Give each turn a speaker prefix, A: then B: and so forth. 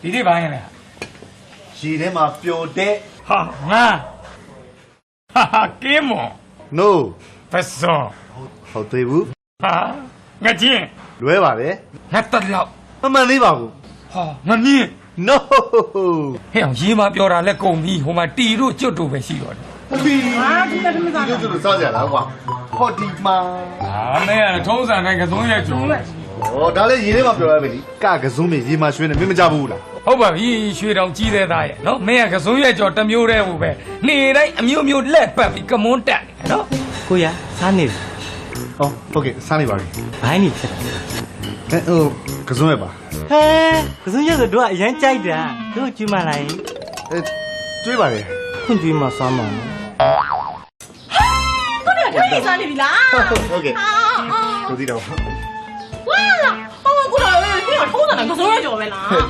A: ဒီနေ့ဘာရင်လဲ
B: ရေထဲမှာပျော်တဲ့
A: ဟာငါဟာကင်းမော
B: no
A: ဖက်ဆော
B: ဟုတ်သေးဘူး
A: ဟာငါချင်း
B: လွဲပါတယ်
A: ငါတက်လောက်
B: မမှန်သေးပါဘူး
A: ဟာငါမြင်
B: no
A: ဟဲ့အောင်ရေးမပြောတာလက်ကုန်ပြီဟိုမှာတီတို့ကျွတ်တို့ပဲရှိတော့တယ်
B: ဘီဟာဒီကတည်းကစားကြစားကြလားကွာဟောဒီမှာ
A: ဟာမဲရထုံးစံတိုင်းကစုံးရဲ့ကျုံ
B: ဩဒါလည်းရေထဲမှာပျော်ရပဲဒီကကစုံးမြေရေမှာရွှေနေမင်းမကြဘူးလား
A: ဟုတ်ပါပြီရွှေတောင်ကြီးတဲ့သားရဲ့နော်မင်းကကစုံးရဲ့ကြော်တစ်မျိုးတည်းဟိုပဲနေတိုင်းအမျိုးမျိုးလက်ပတ်ပြီးကမွန်းတက်နေနော်
C: ကိုရစားနေပြီ
B: ဟောဟုတ်ကဲ့စားနေပါပြီ
C: ဘိုင်းနေဖြစ်တယ်
B: ဟိုကစုံးရပါ
C: ဟဲကစုံရက်ဆိုတို့ကအရန်ကြိုက်တာတို့ကျွေးမလာရင်
B: အဲကျွေးပါတယ်
C: ခွင့်ကျွေးမစားမှာ
D: ကိုနေထိုင်စားနေပြီလား
B: ဟုတ်ကဲ့ကိုဒီတော့
D: ဝါလာဟောကိုတော့ထုံးစံကစိုးရကြော်ပဲလား